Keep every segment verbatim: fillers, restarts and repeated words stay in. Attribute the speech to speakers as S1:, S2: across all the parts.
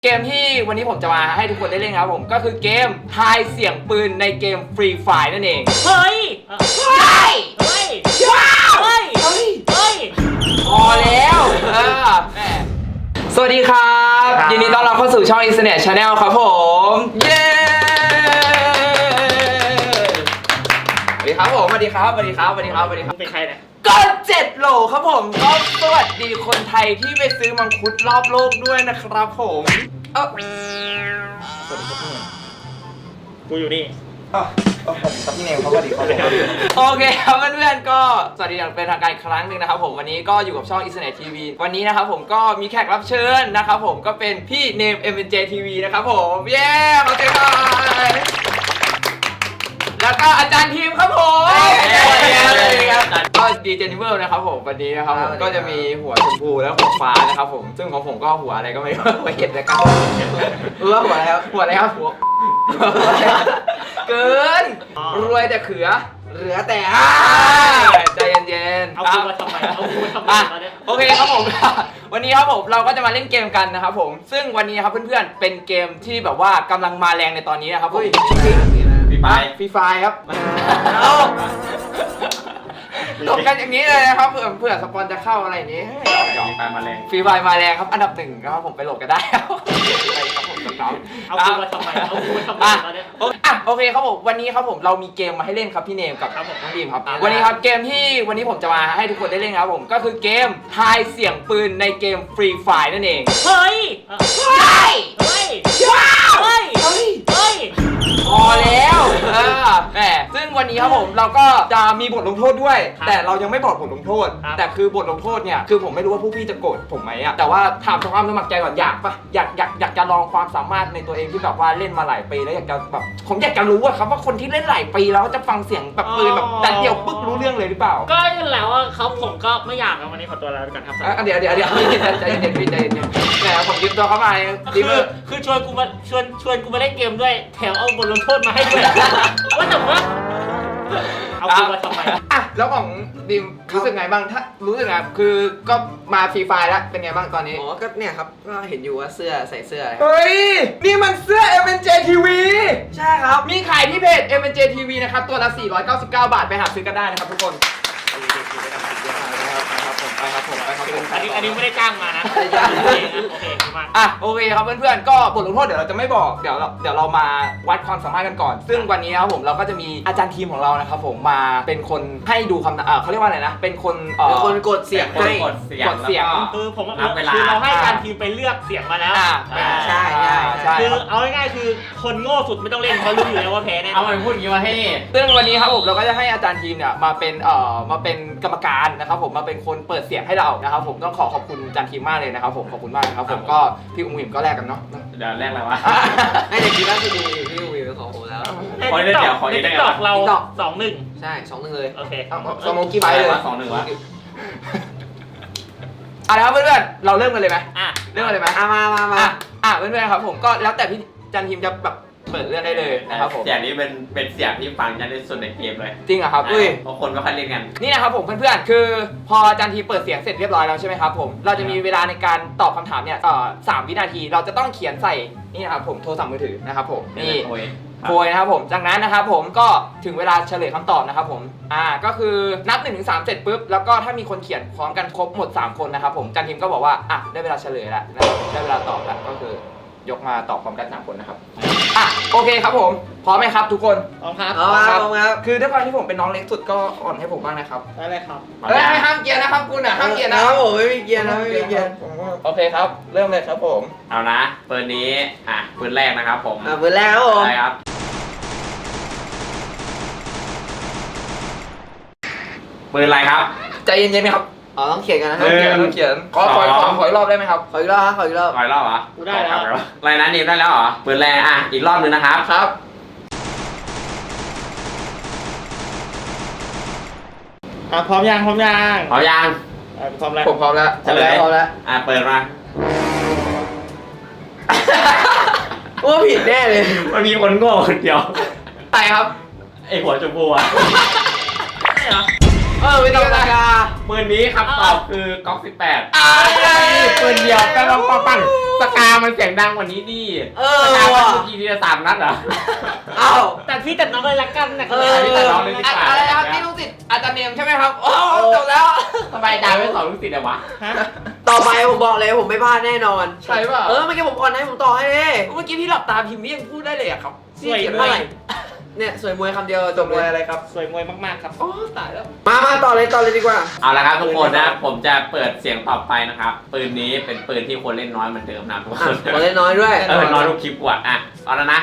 S1: เกมที่วันนี้ผมจะมาให้ทุกคนได้เล่นครับผมก็คือเกมทายเสียงปืนในเกม Free Fire นั่นเอง
S2: เฮ้ย
S1: เฮ้ย
S2: เฮ้ย
S1: ว้าว
S2: เฮ้ย
S1: เฮ้ย
S2: เฮ้ย
S1: พอแล้วเออแม่สวัสดีครับยินดีต้อนรับเข้าสู่ช่อง Internet Channel ครับผมเย้สวัสดีครับผมสวัสดีครับสวัสดีครับสวัสดีครับสวัสดีครับ
S2: เป็นใครเนี่ย
S1: ก็เจ็ดโหลครับผมก็สวัสดีคนไทยที่ไปซื้อมังคุดรอบโลกด้วยนะครับผมเออสวัสดีครับพี่เนม
S2: กูอยู่นี่
S1: อ๋อสวัสดีครับพี่เนมครับสวัสดีครับโอเคครับเพื่อนๆก็สวัสดีอย่างเป็นทางการอีกครั้งหนึ่งนะครับผมวันนี้ก็อยู่กับช่อง Internet ที วี วันนี้นะครับผมก็มีแขกรับเชิญนะครับผมก็เป็นพี่เนม เอ็ม เอ็น เจ ที วี นะครับผมเย้ขอบคุณครับแล้วก็อาจารย์ทีมครับผมก็ดีเจนิเวอร์นะครับผมวันนี้นะครับผมก็จะมีหัวชมพูและหัวฟ้านะครับผมซึ่งของผมก็หัวอะไรก็ไม่รู้ไม่เห็นเลยครับเออหัวอะไรครับหัวอะไรครับหัวเกินรวยแต่เขือเหลือแต่ใจเย็นๆ
S2: เอากูมาทำไมเอากูมาทำไมตอนนี้
S1: โอเคครับผมวันนี้ครับผมเราก็จะมาเล่นเกมกันนะครับผมซึ่งวันนี้ครับเพื่อนๆเป็นเกมที่แบบว่ากำลังมาแรงในตอนนี้นะครับผมฟรีไฟฟรีไฟครับตกกันอย่างนี้เลยนะครับเผื่อเผื่อสปอนจะเข้าอะไรอย่างนี้ฟรีไฟมาแรงฟรีไฟมาแรงครับอันดับหนึ่งนะครับผมไปโหลดกันได้ครับผมน้อง
S2: เอากูมาทำไมเอากูมาทำไมตอนนี้
S1: อ่ะโอเคครับผมวันนี้ครับผมเรามีเกมมาให้เล่นครับพี่เนมกับน้องดีมครับวันนี้ครับเกมที่วันนี้ผมจะมาให้ทุกคนได้เล่นครับผมก็คือเกมทายเสียงปืนในเกม Free Fire นั่นเอง
S2: เฮ้ย
S1: เฮ้ย
S2: เฮ้ย
S1: ว้าว
S2: เฮ้ย
S1: เฮ้ย
S2: เฮ้ย
S1: พอแล้วเออแหมซึ่งวันนี้ครับผมเราก็จะมีบทลงโทษด้วยแต่เรายังไม่บอกบทลงโทษแต่คือบทลงโทษเนี่ยคือผมไม่รู้ว่าผู้พี่จะโกรธผมไหมอะแต่ว่าถามความสมัครใจก่อนอยากปะอยากอยากอยากจะลองความสามารถในตัวเองที่แบบว่าเล่นมาหลายปีแล้วอยากจะแบบผมอยากจะรู้อะครับว่าคนที่เล่นหลายปีแล้วจะฟังเสียงแบบปืนแบบแต่เดียวปึ๊กรู้เรื่องเลยหรือเปล่า
S2: ก็นั่นแหละว่าเขาผมก็ไม่อยากนะวันนี้ขอตัวลาไปก่อนครับ
S1: อ่ะเดี๋ยวเดี๋ยวเดี๋ยวใจเย็นๆพี่ใจเย็นๆแหมผมยืมตัวเข้ามาดี
S2: คือ
S1: มือ
S2: คือชวนกูมาชวนชวนกูมาเล่นเกมด้วยแถมเอาบทลงโทษมาให้ด้วยว่าแต่ว่าเอากูมาทำไม
S1: อ่ะแล้วของดิมรู้สึกไงบ้างถ้ารู้สึกไงคือก็มาฟรีไฟแล้วเป็นไงบ้างตอนนี้
S3: อ๋อ ก็เนี่ยครับ ก็เห็นอยู่ว่าเสื้อใส่เสื้ออะไรครับ
S1: เฮ้ยนี่มันเสื้อ เอ็ม เอ็น เจ ที วี
S3: ใช่ครับ
S1: มีขายที่เพจ เอ็ม เอ็น เจ ที วี นะครับตัวละสี่ร้อยเก้าสิบเก้าบาทไปหาซื้อกันได้นะครับทุกคนไปครับผมไปครับผม
S2: อันนี้อันนี้ไม่ได้จ้างมานะ
S3: ไม่ได้จ้าง
S2: โอเคนะโอเคมาก
S1: อ่ะโอเคครับเพื่อนๆก็บทลงโทษเดี๋ยวเราจะไม่บอกเดี๋ยวเราเดี๋ยวเรามาวัดความสามารถกันก่อน ซึ่งวันนี้ครับผมเราก็จะมีอาจารย์ทีมของเรานะครับผมมาเป็นคนให้ดูคำเอ่อเขาเรียกว่าอะไรนะเป็นคนเอ่อ
S3: เป็นคนกดเสียงให้
S1: กดเสียงกดเสียง
S2: คือผม
S4: นับเวลา
S2: คือเราให้การทีมไปเลือกเสียงมาแล้ว
S1: อ่า
S2: อ่า
S3: ใช่ใช่ใช่
S2: คือเอาง่ายๆคือคนโง่สุดไม่ต้องเล่นเพราะรู้อยู่แล้วว่าแพ้แน่
S4: เอาไปพูดอย่างนี้มาให้
S1: ซึ่งวันนี้ครับผมเราก็จะให้อาจารย์ทีมเนี่ยมาเป็นเอ่อมาเป็นกรรมการนะครับผมมาเป็นคนเปิดเสียงให้เรานะครับผมต้องขอขอบคุณอาจารย์ทีมมากเลยนะครับผมขอบคุณมากนะครับผมก็พี่อุ้งอิมก็แลกกันเนาะ
S4: เดี๋ยวแรกอะไรวะ
S3: ให้เด็กกีฬาที่ดูอยู่ที่วิวเป็นของผมแล้ว
S4: ขอเล่นเดี๋ยวขอเล่นได้ไงวะ
S2: ตอกเรา
S3: TikTok
S2: สองหนึ่ง
S3: ใช่สองหนึ่งเลย
S2: โอเค
S1: เอาเอาสมองกี่ใบเลย
S4: สองหนึ่งวะ
S1: เอาละครับเพื่อนๆเราเริ่มกันเลยไหม
S2: อ่ะ
S1: เริ่มกันเลยไหม
S3: อ่ะมามามา
S1: อ่ะอ่ะเพื่อนๆครับผมก็แล้วแต่พี่อาจารย์ทีมจะแบบเปิดเรื่องได้เลยนะครับผม
S4: เสียงนี้เป็นเป็นเสียงที่ฟังจะได้สุดในเกมเลย
S1: จริงเหรอครับอุ้ย
S4: เพราะคนไม่ค่อยเล่นกัน
S1: นี่นะครับผมเพื่อนๆ คือพออาจารย์ทีเปิดเสียงเสร็จเรียบร้อยแล้วใช่ไหมครับผม เราจะมีเวลาในการตอบคำถามเนี่ยเอ่อสามวินาที เราจะต้องเขียนใส่นี่นะครับผมโทรศัพท์มือถือนะครับผม นี่
S4: โอ้ย
S1: โพยนะครับผม จากนั้นนะครับผมก็ถึงเวลาเฉลยคำตอบนะครับผม อ่า ก็คือนับหนึ่งถึงสามเสร็จปุ๊บ แล้วก็ถ้ามีคนเขียนพร้อมกันครบหมดสามคนนะครับผมอาจารย์ทีมก็บอกว่า อ่ะ ได้เวลาเฉลยแล้วนะครับได้เวลาตอบแล้ว ก็คือยกมาตอบพร้อมกันสามคนนะครับ อ่ะ โอเคครับผม พร้อมไหมครับทุกคน
S2: พร้อมครับ
S3: เอามาเอามาครับ
S1: คือด้วยความที่ผมเป็นน้องเล็กสุดก็อ่อนให้ผมบ้างนะครับ
S2: ได้เลยครับ
S1: เฮ้ยห้ามเกียร์นะครับคุณอ่ะห้ามเกียร์นะ
S3: ครับผมไม่มีเกียร์นะไม่มีเกียร์
S1: โอเคครับ เริ่มเลยครับผม
S4: เอานะปืนนี้อ่ะปืนแรกนะครับผม
S3: อ่ะเบอร์แรกครับผม
S4: ได้ครับปืนอะไรครับ
S1: ใจเย็นๆไหมครับ
S3: อ๋อต้องเขียนกันนะค
S4: เอ
S3: รับ
S4: อ
S1: ต้องเขียนขอขอขอขออีกรอบได้ไหมครับ
S3: ขออีกรอบครับขออีกรอบ
S4: ขออีกรอบเหรอ
S2: กูได้แล้ว
S4: อะไรนะนิวได้แล้วเหรอปืนแรกอ่ะอีกรอบนึงนะครับ
S1: ครับ
S2: อ่ะพร้อมยังพร้อมยัง
S4: พร้อมยัง
S2: อ่ะพร้อมแล้ว
S1: ผมพร้อมแล้ว
S4: เฉลย
S3: พร้อมแล้ว
S4: อ่ะเปิดมา
S3: ว่าผิดแน่เลย
S4: มันมีคนโง่คนเดียว
S1: ไปครับ
S4: ไอหัวชมพูอ่ะ
S2: ใช่เหรอ
S1: เออไม่ต้องราคา
S4: ปืนนี้คำตอบคือก๊อกสิบแปด
S1: อะไร
S4: ปืนเดียวปังปังปังปังสกามันเสียงดังกว่านี้ดิ
S3: เอ
S4: ส
S3: อก
S4: ามัน
S3: ว่ะ
S4: เมื่อกี้ทีละสามนัดเหรอ
S3: เอ้า
S2: แต่พี่แต่น้องเลยละกันนะ
S3: เออ
S4: พี่แต่น้องเลยดีกว่า
S1: อะไรนะครับนี่ลูกศิษย์อาจารย์เนมใช่ไหมครับโอ้จบแล้ว
S4: ทำไมอาจารย์ไม่สอนลูกศิษย์เลยวะ
S2: ฮะ
S3: ต่อไปผมบอกเลยผมไม่พลาดแน่นอน
S1: ใช่เปล่า
S3: เออเมื่อกี้ผมอ่อนให้ผมต่อให้เลย
S1: เมื่อกี้พี่หลับตาพิมพ์พี่ยังพูดได้เลยอะครับ
S2: สวย
S1: เขียน
S2: ม
S1: ว่าอะไร
S2: าก
S3: เนี่ยสวยมวยคำเดียวจบ
S1: มวย
S3: เลย
S1: อะไรครับ
S2: สวยมวยมากๆครับ
S1: โอ้ตายแล้ว
S3: มามาต่อเลยต่อเลยดีกว่า
S4: เอาละครับทุกคนนะผมจะเปิดเสียงต่อไปนะครับปืนนี้เป็นปืนที่คนเล่นน้อยเหมือนเดิมนะทุกค
S3: อ่ะ
S4: น
S3: ขอเล่นน้อยด้วย
S4: เออน้อยทุกคลิปกว่าอ่ะเอาแล้วนะ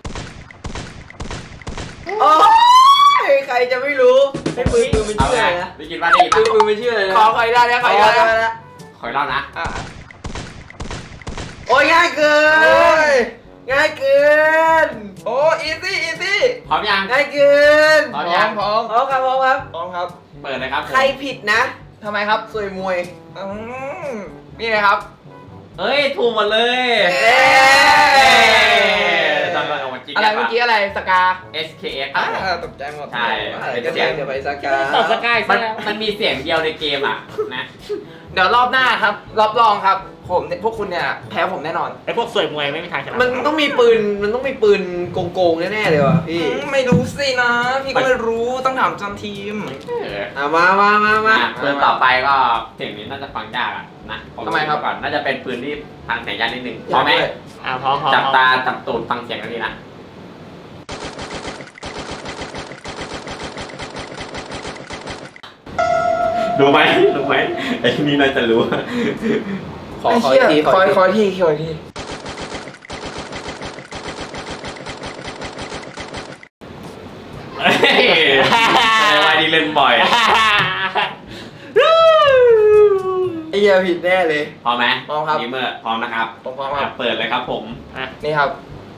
S3: โอ้ยใครจะไม่รู้ไอ้ปืนปืนเป็น
S4: เอา
S3: ชื่อ
S4: ไง
S3: อะไรนะ
S4: ได้ยินว่าได้ยิน
S3: ปืน
S4: ปะ
S3: ปืนเป็นชื่ออะไรนะ
S1: ขอขออีกได้นะขออีกได้นะ
S3: แล้ว
S4: ขออีกรอบนะ
S1: อ่ะ
S3: โอ้ยง่ายเกินง่ายเกิน
S1: โอ้อีซี่อีซี่
S4: พร้อมยัง
S3: ง่ายเกิน
S4: พร้อมยัง
S1: พร้อม
S3: พร้อมครับพร้อมครับ
S1: พร้อมครับ
S4: เปิดเลยครับผม
S3: ใครผิดนะ
S1: ทำไมครับ
S3: สวยมวย
S1: อืมนี่เลยครับ
S4: เอ้ยถูกหมดเลย
S1: เอ๊ะ
S4: จำได้เอามาจริง
S1: อะไรเมื่อกี้อะไรสกา
S4: เอส เค เอส
S1: อ่าตกใจหมด
S4: ใช่
S3: อะไรก็เสียงเดี๋ยวไปสักกา
S2: ตอบสกาย
S4: มั
S2: ซะ
S4: น
S2: แล้ว
S4: มันมีเสียงเดียวในเกมอ่ะนะ
S1: เดี๋ยวรอบหน้าครับรอบรองครับ ผมเนี่ยพวกคุณเนี่ยแพ้ผมแน่นอน
S2: ไอ้พวกสวยมวยไม่มีทางชนะ
S3: มันต้องมีปืนมันต้องมีปืนโกงๆแน่ๆเลยว่ะพี่
S1: อืมไม่รู้สินะ พี่ก็ไม่รู้ต้องถามจำทีม
S4: เออ
S3: อ่ะมามามามา
S4: อ่ะปืนต่อไปก็เสียงนี้น่าจะฟังยากอ่ะนะผ
S1: ทำไมครับ
S4: ก่อนน่าจะเป็นปืนที่ฟังเสียงยากนิดนึงพร้อมไหม
S2: อ่าพร้อมพร้อม
S4: จับตาจับตูดฟังเสียงกันดีนะรู้ไหมรู้ไหมไอ้นี่น่าจะรู้
S3: ขอขออีกทีขอ
S1: คอย
S3: อีก
S1: ค
S3: ที
S1: อยทีคอยที
S4: เฮ้ยในวัยที่เล่นบ่อย
S3: ไอ้เหี้ยผิดแน่เลย
S4: พร้อมไหม
S1: พร้อมครับ
S4: ดีเมอร์พร้อมนะครับ
S1: ผมพร้อมครับ
S4: เปิดเลยครับผม
S1: นี่ครับ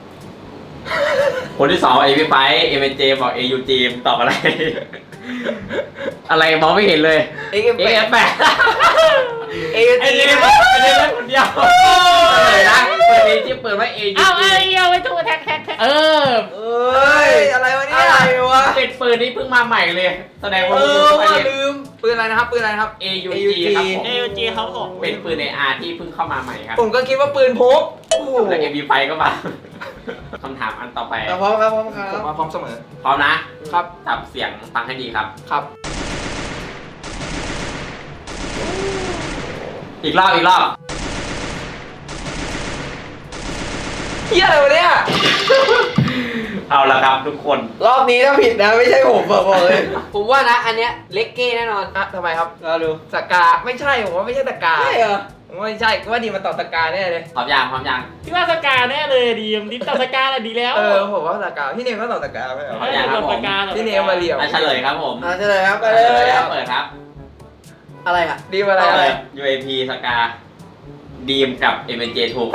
S4: คนที่สองเอพีไฟเอ็มเจบอกเอยูจีตอบอะไร อะไรมองไม่เห็นเลย
S3: เอ็กเอ็ม
S4: เอ
S3: แป
S4: เอ
S3: ด
S4: ฟแปด
S3: เอ็ก
S4: ไอ้
S3: เอ็ม
S4: เล่น
S3: แปด
S4: ไอ้เล่นคนเดียวเลยนะเปิดเอที่เปิดว่าเอยู
S2: เอา
S4: จี
S2: ไอ้เอาไว้ถูกแท็กแท็กแท็ก
S4: เออ
S3: เอ้ยอะไรวะเนี่ยอะไรวะ
S4: เป็นปืนที่เพิ่งมาใหม่เลย แสดงว่า
S3: เอ
S4: มึง
S3: อ
S4: รู้ไป
S3: ว่า
S4: เนี่ย
S3: ลืม
S1: ปืนอะไรนะครับปืนอะไรนะครับ
S4: เอยูจีครับผม
S2: เอลจีเขาออก
S4: เป็นปืนในอาร์ที่เพิ่งเข้ามาใหม่ครับ
S1: ผมก็คิดว่าปืนพกโอ้โห
S4: แล้วเอพีไฟก็มา คำถามอันต่อไป
S3: เอาพร้อมครับพร้อมครั
S1: ผม
S3: บ
S1: มาพร้อมเสมอ
S4: พร้อมนะครับ จับเสียงฟังให้ดีครับ
S1: ครับ
S4: อีกรอบอีกรอบ
S1: เฮียอะไรวะเนี่ย
S4: เอาละครับทุกคน
S3: รอบนี้ถ้าผิดนะไม่ใช่ผมบอกเลย ผมว่านะอันเนี้ยเล็กเก้แน่นอน
S1: อ่ะทำไมครับ
S3: เราดู
S1: สกาไม่ใช่ผมว่าไม่ใช่สกา
S3: ใช่เหรอ
S1: ผมว่าไม่ใช่ก็ว่าดีมาตอบสกาแน่เลย
S4: พร้อมยังพร้อมยัง
S2: พี่ว่าสกาแน่เลยดีมดิมตอบสกาแหละดีแล้ว
S1: เออผมว่าสกาพี่เนมก็ตอบสกาไม่เหรอ
S2: ไม่ได้ตอบสกา
S1: พี่เนมมาเรียว
S4: อ่ะเฉลยครับผม
S3: อ่ะเฉลยครับไป
S4: เฉ
S3: เล
S4: ลย
S3: ย
S4: ครับเปิดครับ
S3: อะไรอ่ะ
S1: ดีมาอะไร
S4: เอา
S1: อะ
S4: เล
S1: ไร
S4: ย ยู เอ พี สกาดีมกับ เอ็ม เจ ถูก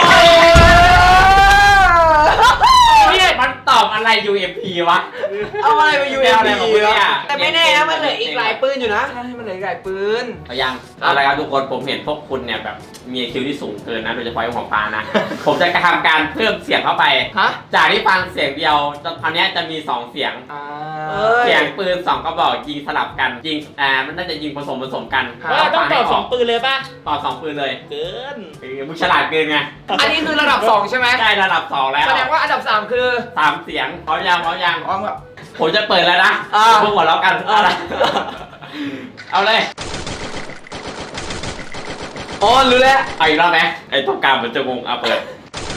S4: เนี่ยมันตอบอะไร ยู เอ พี วะ
S3: เอาอะไรไปยู
S4: แน
S3: เอ็
S4: ว
S3: ม
S4: อะไรของ
S3: พี
S4: มึงเนี่ย
S3: แต่ไม่แน่นะมันเหลืออีกหลายปืนอยู่นะ
S1: ใช่มันเหลืออีกหลายปืน
S4: เอายังเอาละครับทุกคนผมเห็นพวกคุณเนี่ยแบบมีคิวที่สูงเกินนะโดยเฉพาะไอ้หัวฟ้านะ ผมจะทำการเพิ่มเสียงเข้าไป
S1: ฮะ
S4: จากที่ฟังเสียงเดียวตอนนี้จะมีสองเสียง
S1: อ่า
S3: เอ้ย
S4: เสียงปืนสองกระบอกยิงสลับกันยิงอ่ามันน่าจะยิงผสมผสมกัน
S2: ว่าต้องตอบสองปืนเลยป่ะ
S4: ต่อสองปืนเลย
S2: เกิน
S4: เออมึงฉลาดเกินไง
S1: อันนี้คือระดับสองใช่ไหม
S4: ได้ระดับสองแล้ว
S1: แสดงว่าอันดับสามคือ
S4: สามเสียงพร้อมยังพร้อมยัง
S1: พร้อมกับ
S4: ผมจะเปิดแล้วนะ
S3: อ่า
S4: พวกหัวเราะกันเอาละเอาเลย
S3: อ๋อรู้แล้ว
S4: เอาอีกรอบไหมไอ้ตรงกลางมันจะงงเอาเปิด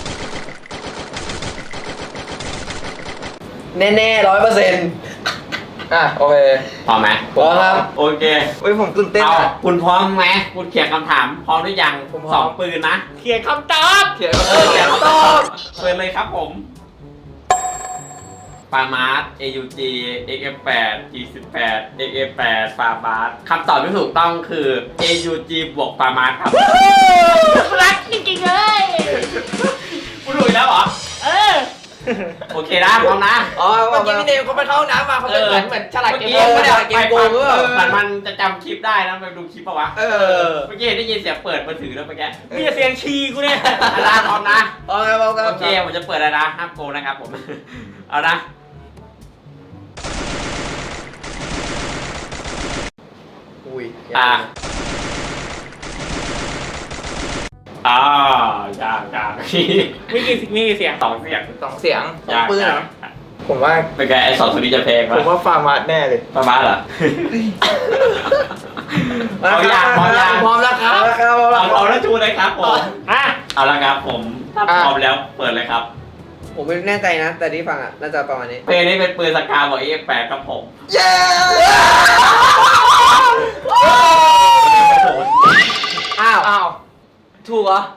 S3: แน่ๆร้อยเปอร์เซ็นต์
S1: อ่ะโอเค
S4: พร้อมไหม
S3: พร้อมครับ
S4: โอเค
S1: เฮ้ยผมตื่นเต้น
S4: เอา
S1: อ่ะ
S4: คุณพร้อมไหมคุณเขียนคำถามพร้อมหรือยัง
S1: ผมพร้อม
S4: สองปืนนะ
S2: เขียนคำตอบ
S1: เขียน
S4: เออเขียนคำตอบเปิดเลยครับผมปามาร์ต เอ ยู จี เอ็กซ์ เอฟ แปด จี สิบแปด เอ็กซ์ เอฟ แปด ปามาร์ตคำตอบที่ถูกต้องคือ เอ ยู จี บวกปามาร์ตครับ
S2: รักจริงๆเลย
S4: คุณรู้อีกแล้วเหรอ
S2: เออ
S4: โอเคนะพร้อมนะ
S3: อ๋อ
S1: เมื่อกี้พี่เนมเขาไปเข้าห้องน้ำมาเขาเป็นเหมือนเหมือนฉลาดเกม
S4: เมื่อ
S1: โกงไม่ได้
S3: เกมโกงหรือเปล่า
S4: เหมือนมันจะจำคลิปได้นะไปดูคลิปปะวะ
S1: เออ
S4: เมื่อกี้เห็นได้ยินเสียงเปิดมือถือแล้วเมื่อกี้
S2: มีแต่เสียงชีกูเนี่ย
S4: อาจารย์พร้อมนะ
S3: อ๋อครับพร้อมครับ
S4: โอเคผมจะเปิดแล้วนะห้ามโกงนะครับผม เอานะ
S3: อุ้ย
S4: อ่าอ้าวยากยาก
S2: มีกี่มีกี่เสียง
S4: สองเสียง
S1: สองเสียง
S4: ยาก
S3: ปืนเหรอ
S1: ผมว่า
S4: เป็นไงไอ้สองตัวนี้จะแพง
S1: ผมว่าฟาร์มาสแน่เลย
S4: ประมาณเหรอเอาอย่างพร้อมยัง
S1: พร้อมแล้วครับ
S3: แล้วครับ
S4: เอาเอาแล้วชูเลยครับผม
S2: อ่ะ
S4: เอาละครับผมถ้าพร้อมแล้วเปิดเลยครับ
S3: ผมไม่แน่ใจนะ แต่ที่ฟังอ่ะน่าจะประมาณนี้
S4: เพลงนี้เป็นปืนสกาบอกเอฟแปดครับผม
S3: เย้
S1: อ้าวอ้าวถูกเหรอ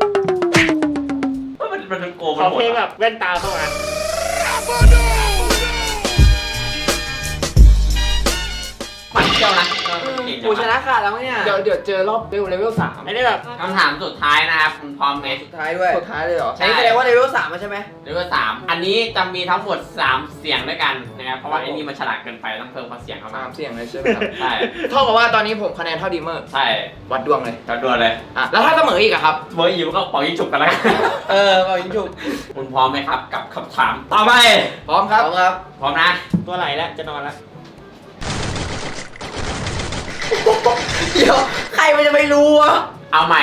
S4: มันมันโกง
S2: ข
S4: มัน
S2: อ
S4: หมด
S2: เพลงแบบแว่นตาเข้ามา
S4: มันเที่ยวนะ
S3: กูชนะขาดแล้วเนี่ย
S1: เดี๋ยวเดี๋ยวเจอรอบเลเวลเลเวลสาม
S2: ไอ้นี่แบบ
S4: คำถามสุดท้ายนะครับคุณพร้อมไหม
S3: สุดท้ายด้วย
S1: สุดท้ายเลยเหรอ
S3: อันนี้แสดงว่าเลเวลสามใช่ไหม
S4: เลเวลสามอันนี้จะมีทั้งหมดสามเสียงด้วยกันนะครับเพราะว่าไอ้นี่มันฉลาดเกินไปต้องเพิ่มความเสียงเข้ามา
S1: สามเสียงเลยใช่ไหมครับ
S4: ใช่
S1: เท่ากับว่าตอนนี้ผมคะแนนเท่าดีเมอร์
S4: ใช่
S1: วัดดวงเลย
S4: จำนวนเลย
S1: อ่ะแล้วถ้าเสมออีกอะครับ
S4: เบอร์อีมันก็เป่ายิงฉุบกันแล้ว
S3: เออเอายิงฉุก
S4: คุณพร้อมไหมครับกับคำถามต่อไป
S1: พร้อมครับ
S3: เอาครับ
S4: พร้อมนะ
S2: ตัวไหลแล้วจะนอนแล้ว
S3: เดี๋ยวใครมันจะไม่รู้วะ
S4: เอาใหม่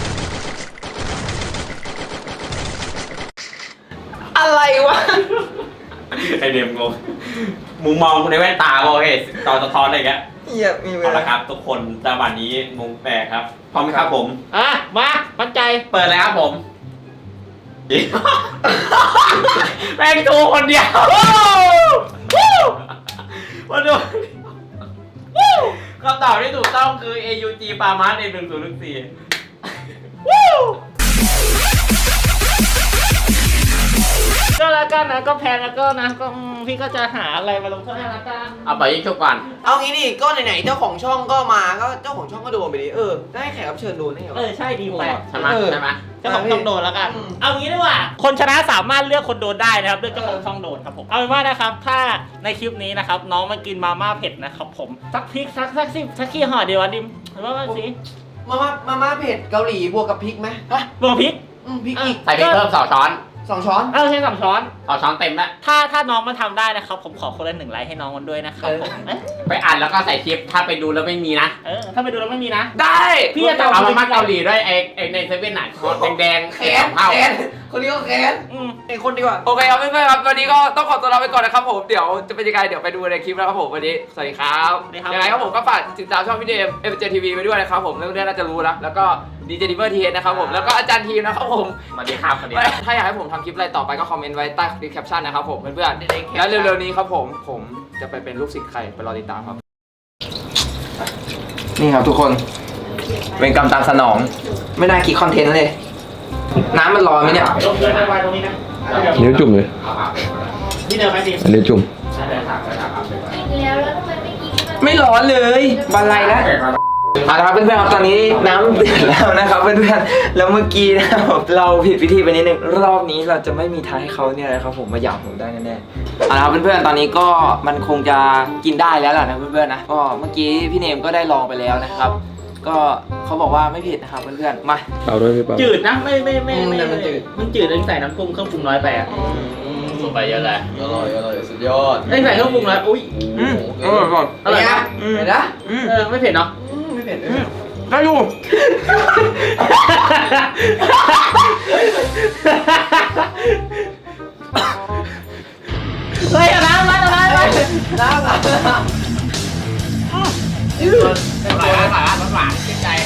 S1: อะไรวะ
S4: ไอเดมงงมึงมองในแว่นตาโอเคจอสะท้อนอะไรอย่างเงี้ย
S3: เหี้ยมีเว
S4: เอา
S3: ลา
S4: ละครับทุกคนจังหวะนี้งงแปลกครับพร้อมไหมครับผม
S2: อ่ะมามั่นใจ
S4: เปิดเลยครับผม แม่งโทรคนเดียวมาดูคำตอบที่ถูกต้องคือ เอ ยู จี ปามาสในหนึ่งศูนย์หนึ่งสี่
S2: ก็แล้วกันนะก็แพงแล้วก็นะก็อืมพี่ก็จะหาอะไรมาลงโทษให้ละกัน
S4: เอาไปยิงชุบก่อน
S3: เอางี้ดิก็ไหนๆเจ้าของช่องก็มาก็เจ้าของช่องก็โดนไปดิเออได้แขกรับเชิญโดนได้ไง
S2: เอ
S3: วะ
S2: อใช่ดีแปลก
S4: ใช่ไหม
S3: เออ
S4: ใช่ไหม
S2: เจ้าของช่องโดนแล้วกัน
S3: อืม
S2: เอางี้ดีกว่า คนชนะสามารถเลือกคนโดนได้นะครับเลือกเจ้าของช่องโดนครับผม เอาเป็นว่านะครับ ถ้าในคลิปนี้นะครับ น้องมากินมาม่าเผ็ดนะครับผม สักพริกสักสักสิบสักกี่ห่อเดียววะดิมหรือว่าว่าสิ
S3: มาม่ามาม่าเผ็ดเกาหลีบวกกับพริกไหม
S2: ฮะบวกพริก
S3: อืมพริกอีก
S4: ใส่พริกเพิ่มสองช้อน
S3: สองช้อน
S2: เออใช่สามช้อน
S4: สองช้อนเต็มแล้ว
S2: ถ้าถ้าน้องมาทำได้นะครับ ผมขอคนละหนึ่งไลค์ให้น้องมันด้วยนะครับผมเอ๊ะ
S4: ไปอ่านแล้วก็ใส่คลิป ถ้าไปดูแล้วไม่มีนะ
S2: เออถ้าไปดูแล้วไม่มีนะ
S1: ได้
S2: พี่จะ
S4: เอามาม่าเกาหลีด้วยไอ้ไอ้ในเซเว่นหนังแดงๆ
S3: แข
S4: ส
S3: น
S4: องเท่า
S3: แขนคนนี้ก็แขน
S2: อืม
S3: ไอ้คนดีกว่า
S1: โอเคครับเพื่อนๆครับวันนี้ก็ต้องขอตัวลาไปก่อนนะครับผมเดี๋ยวจะเป็นยังไงเดี๋ยวไปดูในคลิปแล้วครับผมวันนี้สวัสดีครับยังไงครับผมก็ฝากติดตามช่องพี่เดมเอฟเจทีวีไปด้วยนะครับผมเรื่องนี้น่าจะรู้แล้วแล้วก็ดีเจดิเวอร์ทีเอสนะครับผมแล้วก็อาจารย์ทีมนะครับผม
S4: สวัสดีครับสวัสดีครับ
S1: ถ้าอยากให้ผมทำคลิปอะไรต่อไปก็คอมเมนต์ไว้ใต้ดีแคปชั่นนะครับผมเพื่อนๆแล้วเร็วๆนี้ครับผมผมจะไปเป็นลูกศิษย์ใครไปรอติดตามครับนี่ครับทุกคนเป็นกรรมตามสนองไม่น่าคิดคอนเทนต์เลยน้ำมันร้อนไหมเนี่ย
S2: ลงเดินไปตรงนี้นะ
S5: นิ้วจุ่มเลย
S2: ที่เดิมไหมดิ
S5: อันนี้จุ่ม
S6: กินแล้วแล้วทำไมไม่กินมัน
S1: ไม่ร้อนเลยบันไลแล้วเอาละครับเพื่อนๆครับตอนนี้น้ำเดือดแล้วนะครับเพื่อนๆแล้วเมื่อกี้นะครับเราผิดวิธีไปนิดนึงรอบนี้เราจะไม่มีทางให้เขาเนี่ยนะครับผมมาหยามผมได้แน่ๆเอาละครับเพื่อนๆตอนนี้ก็มันคงจะกินได้แล้วล่ะนะเพื่อนๆนะก็เมื่อกี้พี่เนมก็ได้ลองไปแล้วนะครับ ก็เขาบอกว่าไม่ผิดนะครับเพื่อนๆมา
S5: เปล่าด้วยพี่เปล่า
S2: จืดนะไม่ไม่ไม่
S3: อืม
S2: ไม่
S3: แต่มันจืด
S2: มันจืดเลยใส่น้ำปรุงเครื่องปรุงน้อยไปอ่ะ
S4: สูไปเยอะเลย
S3: อร่อยอร่อยสุดยอด
S2: ไอ้ยใส่เครื่องปรุงน้อยอุ้ย
S1: อืมอร่อยก่อน
S2: อร่อยนะ
S3: เห็นนะ
S1: อืม
S2: เออไม่เผ็ดเนาะ
S3: อืมไม่เผ็ดเลย
S1: ได้อยู่
S2: เฮ้ยเอาน้ำมาเอาน้ำมา
S3: น้ำน้ำ
S4: อร่อยอร่อยอร่อยหวานหวานชื่นใจ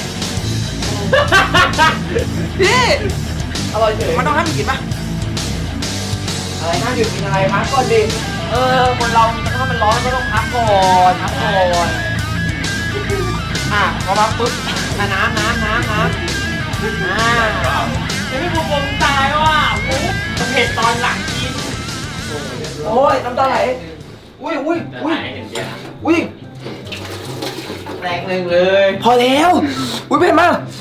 S1: พี่
S3: อร่อยเฉย
S1: มันต้องห้ามกินปะ
S3: อะไรน่าหยุดกินอะไรพักก่อนดิ
S1: เออคนเราถ้ามันร้อนก็ต้องพักก่อนพักก่อนอ่ะพอพักปุ๊บ
S3: อ่ะน้ำน้ำน้ำน้ำอ่า
S2: ยังไม่ปรุงปรุงตายว่ะโอ้เผ็ดตอนหลังกิน
S3: โอ้ยน้ำตาไหลอุ้ยอุ้ย
S4: จะ
S3: อุ้ย
S4: ให้เห็นเดียว
S3: อุ้ยแตกหนึ่งเลย
S1: พอแล้วอุ้ยเป็นมาก
S3: อ